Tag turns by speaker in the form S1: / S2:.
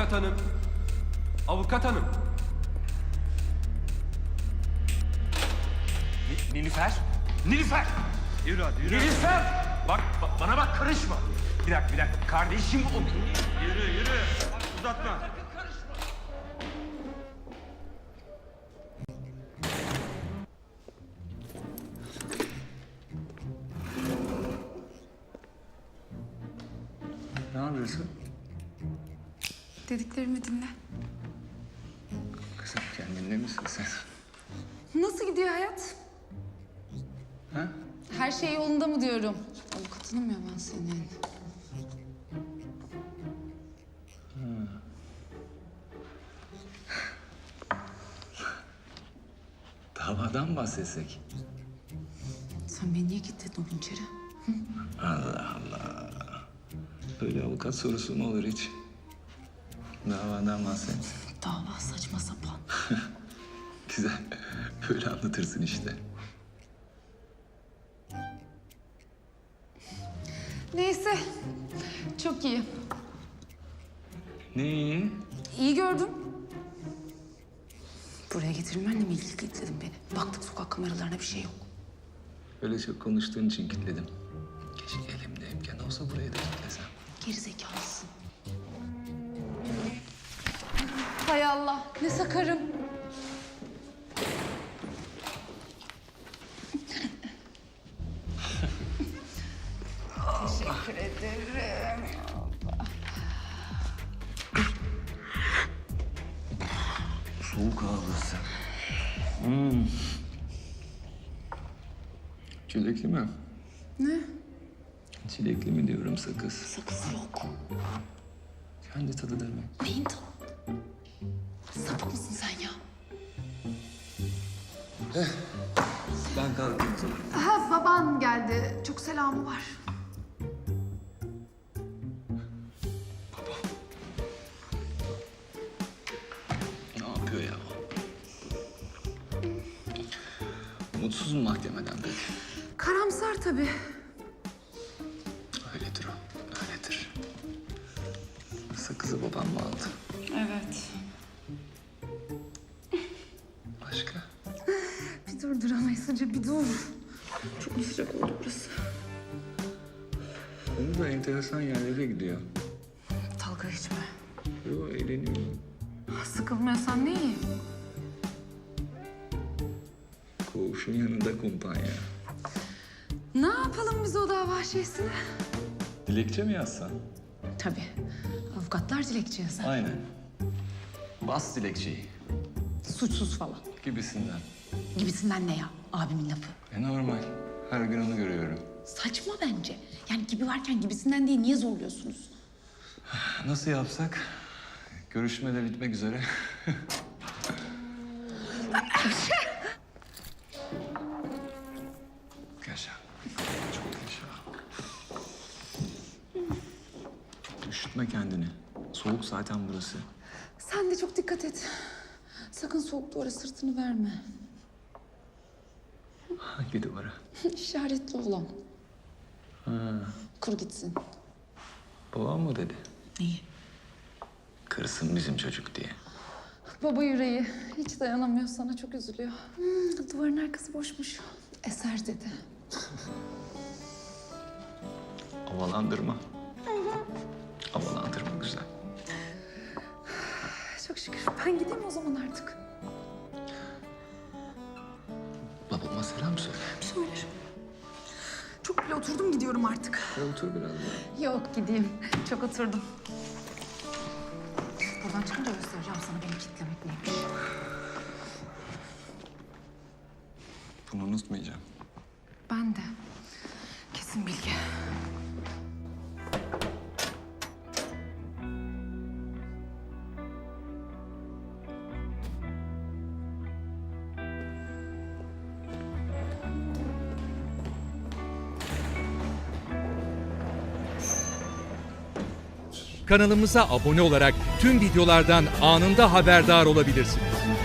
S1: Avukat hanım. Avukat hanım. Nilüfer. Nilüfer.
S2: Yürü hadi yürü.
S1: Nilüfer. Bak bana bak, karışma. Bir dakika. Kardeşim o.
S2: Yürü. Uzatma.
S3: Ne yapıyorsun?
S4: Dediklerimi dinle.
S3: Kızım kendinde misin sen?
S4: Nasıl gidiyor hayat?
S3: Ha?
S4: Her şey yolunda mı diyorum? Avukatınım ya ben senin.
S3: Davadan bahsetsek.
S4: Sen beni niye gittin o gün içeri?
S3: Allah Allah. Böyle avukat sorusu mu olur hiç? Davadan bahset.
S4: Dava saçma sapan.
S3: Güzel. Böyle anlatırsın işte.
S4: Neyse. Çok iyi.
S3: Ne iyi?
S4: İyi gördüm. Buraya getirilmenle mi ilgili kilitledin beni? Baktık sokak kameralarına bir şey yok.
S3: Öyle çok konuştuğun için kilitledim. Keşke elimde imkan olsa burayı da kilitlesem.
S4: Gerizekalısın. Hay Allah, ne sakarım. Teşekkür ederim.
S3: Soğuk ağlısı. Çilekli mi?
S4: Ne?
S3: Çilekli mi diyorum sakız.
S4: Sakız yok.
S3: Kendi tadı demek.
S4: Neyin tadı? Sapık mısın sen ya?
S3: Ben kalkayım sana.
S4: Ha, baban geldi. Çok selamı var.
S3: Ne yapıyor ya? Mutsuz mu mahkemeden peki?
S4: Karamsar tabii.
S3: Öyledir o, öyledir. Sakızı babam mı aldı?
S4: Evet.
S3: Başka?
S4: Bir dur duramayız Hacı, bir dur. Çok mu sıcak oldu burası?
S3: Onu da enteresan yerlere gidiyor.
S4: Dalga geçme.
S3: Yo, eğleniyor.
S4: Sıkılmıyorsan ne iyi.
S3: Koğuşun yanında kumpanya.
S4: Ne yapalım biz o dava şeysine?
S3: Dilekçe mi yazsan?
S4: Tabii. Avukatlar dilekçe yazar.
S3: Aynen. Bas dilekçeyi
S4: Suçsuz falan.
S3: gibisinden.
S4: Gibisinden ne ya? Abimin lafı.
S3: Normal. Her gün onu görüyorum.
S4: Saçma bence. Yani gibi varken gibisinden değil, niye zorluyorsunuz?
S3: Nasıl yapsak? Görüşme de bitmek üzere. Yaşa. Çok yaşa. Üşütme kendini. Soğuk zaten burası.
S4: Sen de çok dikkat et. Sakın soğuk duvara sırtını verme.
S3: Hangi duvara?
S4: İşaretli olan.
S3: Ha,
S4: Kur gitsin.
S3: babam mı dedi?
S4: Neyi?
S3: Kırsın bizim çocuk diye.
S4: Baba yüreği. Hiç dayanamıyor sana, çok üzülüyor. Duvarın arkası boşmuş. Eser dedi.
S3: Havalandırma. Havalandırma güzel.
S4: Çok şükür. Ben gideyim o zaman artık.
S3: Babama selam söyle.
S4: Söylerim. Çok bile oturdum, gidiyorum artık.
S3: Otur biraz daha.
S4: Yok, gideyim. Çok oturdum. Buradan çıkınca göstereceğim sana beni kitlemek neymiş.
S3: Bunu unutmayacağım.
S4: Ben de. Kesin bilgi.
S5: Kanalımıza abone olarak tüm videolardan anında haberdar olabilirsiniz.